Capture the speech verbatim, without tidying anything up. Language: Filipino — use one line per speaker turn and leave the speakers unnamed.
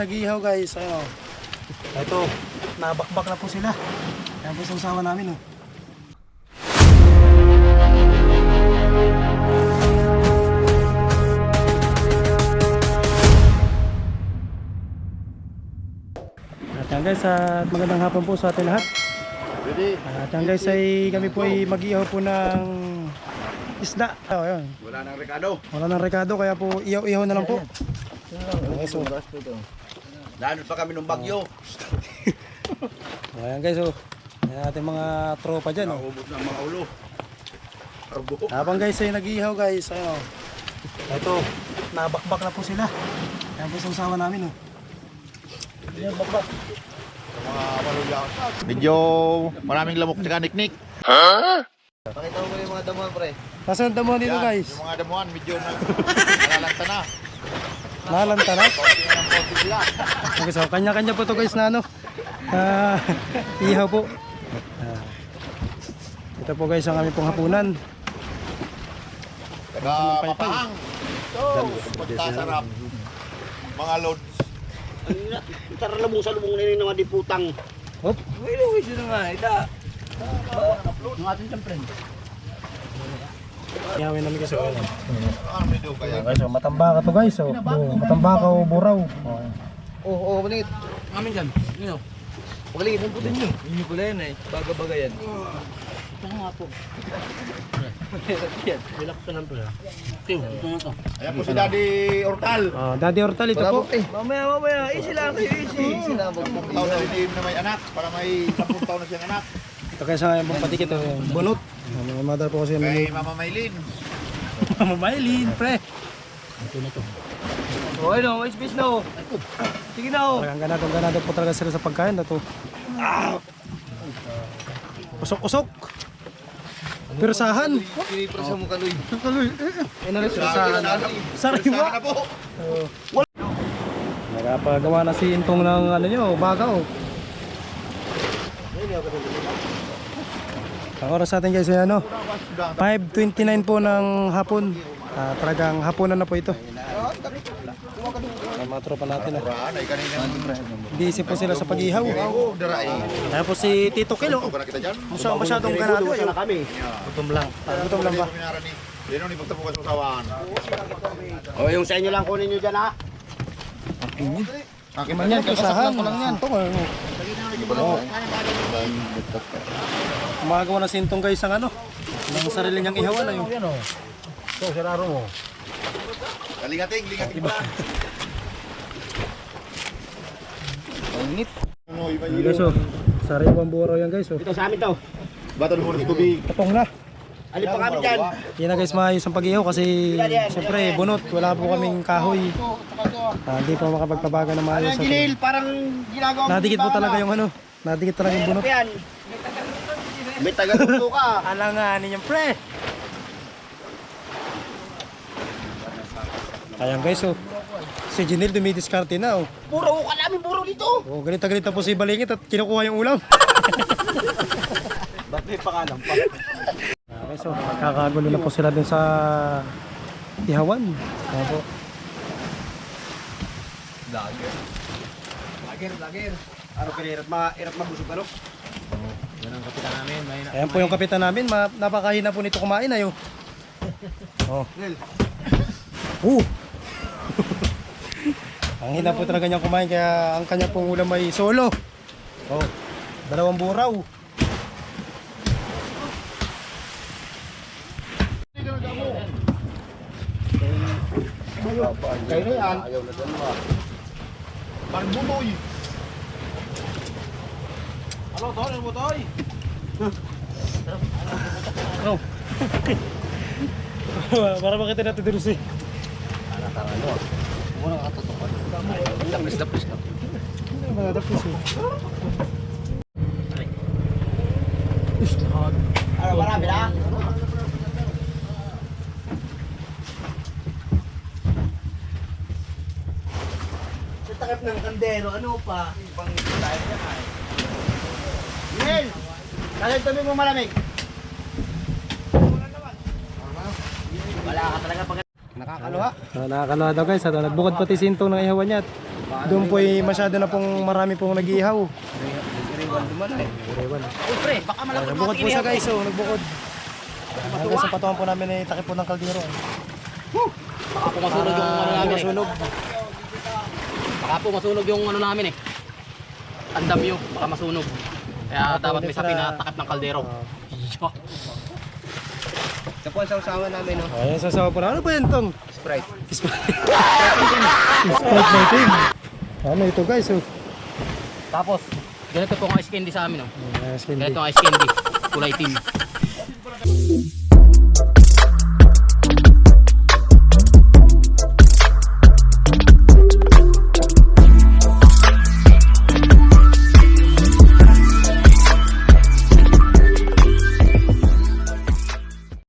Nag-ihaw guys, ayun. Ito, nabakbak na po sila. Ayan po sa usawa namin oh. At yan guys, at magandang hapon po sa ating lahat. At yan guys, ay kami po ay mag-ihaw po ng isda. Oh, ayun.
Wala nang rekado.
Wala nang rekado, kaya po ihaw-ihaw na lang po. Okay, so.
Lanod pa kami ng bagyo.
Ayan guys, oh. Ayan ating mga tropa dyan. Oh.
Naubos na ang mga ulo. Arbo.
Habang guys ay nag-ihaw guys, ayun. Ito, nabakbak na po sila. Ayan po sa usawa namin. Oh. Ayan, bakbak.
Mga maluya. Medyo maraming lamok tsaka niknik. Ha? Pakita mo yung mga damuhan, pre.
Nasaan ang damuhan dito
Yan,
guys?
yung mga damuhan medyo na nalalanta na.
Nalanta na?
Konti na ng konti sila.
Okay, so kanya-kanya po to guys na ano. Ah, ihaw po. Ah, ito po guys ang aming pong hapunan.
Taga mapahang. So, pagkasarap. Mga loads.
Tara na mo sa lumong nini ng mga diputang.
Hop.
Wala, wala sila nga. Ita. Ang ating siyempre.
Ihawin namin kasi ano.
Ano medyo kaya?
Okay, so matambaka to guys. So, oh, matambaka o buraw. Okay.
Oo, oo, baligit. Amin dyan. Yun o. Baligit, ang putin nyo. Yun pala yan eh. Baga-baga yan. Ito nga po. Yan. Relax ka lang pala. Tiyo, ito na to.
Ayan po si Daddy Ortal.
Ah, Daddy Hortal ito po.
Mamaya, mamaya. Easy lang kayo, easy. Easy lang.
Sampung taon na rin na may anak. Para may sampung taon na siyang anak.
Ito kaya sa pong patikit oh, bunot. Ah, Mga mother po kasi
Kay
may
Mama Maylin.
mamailin, pre.
O, ano, may space na o. Sige na o.
Talagang ganado, ganado po talaga sila sa pagkain na to. Usok-usok. Pirsahan.
Piniprasa mo kaloy.
Kaloy. Ano rin pirsahan? Sariwa.
na po.
Nagpagawa na si Intong ng ano nyo, bagaw. Ang oras natin guys ay ano, five twenty-nine po ng hapon. Ah, talagang hapunan na po ito. Ang mga tropa natin ah.
Raan ay kanina.
Busy po sila sa pag-ihaw.
Oo, daray.
Kaya po si Tito Kilo.
Ito ka na kita dyan.
Masyadong, masyadong ganado. Ayun.
kami.
Gutom lang. Ah, gutom lang ba?
Dino ni pagtapukan sa usawan.
O, yung sa inyo lang kunin nyo dyan ha.
Akin
Man yan, pirsahan. Ko lang yan. Ito oh. Gumagawa na si Intong guys ang ano, ng sarili niyang ihawan na yun.
Ito, sararo mo.
Lingating, lingating ba?
Pangit.
Ano, iba
Ayan guys oh, sariwang buraw yan guys oh.
Ito sa amin to.
Bata mo ng tubig.
Tapong na.
Alin pa kami dyan.
Yan na guys, maayos ang pag-ihaw kasi siyempre bunot, wala po kaming kahoy. Ah, hindi po makapagpabaga na maayos.
Ang ginil, parang ginagawa mo.
Nadikit po talaga yung ano, nadikit talaga yung bunot.
Yan. May taga-tuto ka.
Alanganin yung pre. Ayan guys oh, si Jinil dumidiskarte na oh.
Puro ka namin, puro dito.
Oh, ganito-ganito po si Balingit at kinukuha yung ulam.
Ba't may pangalan pa?
Okay, so magkakagulo na po sila dun sa ihawan. Ayan po.
Lager. Lager, lager. Araw ka hirap, ma hirap mabusog ano?
Yan ang kapitan namin.
Ayan po yung kapitan namin. Ma napakahina po nito kumain ayo. Oh. Uh. Ang hina po talaga niyang kumain kaya ang kanya pong ulam ay solo. Oh. Dalawang buraw.
Kayo na yan.
Ayaw na dyan ba? Parang bumoy. Ano to? Ano mo to?
Oh. Para makita natin dito si.
Wala ka totoo. Lapis, lapis na.
Mga dapos eh.
Ano, marami na? Sa takip ng kandero, ano pa? Ibang tayo dyan ay. Nel! Kaya tabi mo malamig. Wala ka talaga pag...
Nakakaluha. So, nakakaluha daw guys. At nagbukod pati si Intong ng ihawan niya. Doon po ay masyado na pong marami pong nag-ihaw.
Iriwan duman eh.
Iriwan.
Uy, pre, baka malapit
Nagbukod po siya guys, oh, nagbukod. Hanggang sa patungan po namin ay takip po ng kaldero.
Baka po masunog yung ano namin eh.
Masunog.
Baka po masunog yung ano namin eh. Ang damyo, baka masunog. Kaya dapat may sapi na takip ng kaldero. Ito po ang sausawan namin, no?
Ayan, sasawa po na. Ano ba yan tong?
Sprite.
Sprite. Sprite natin. Ano ito guys, oh.
Tapos, ganito po ang ice candy sa amin, no?
Yes,
Ganito
hindi.
ang ice candy. Kulay team.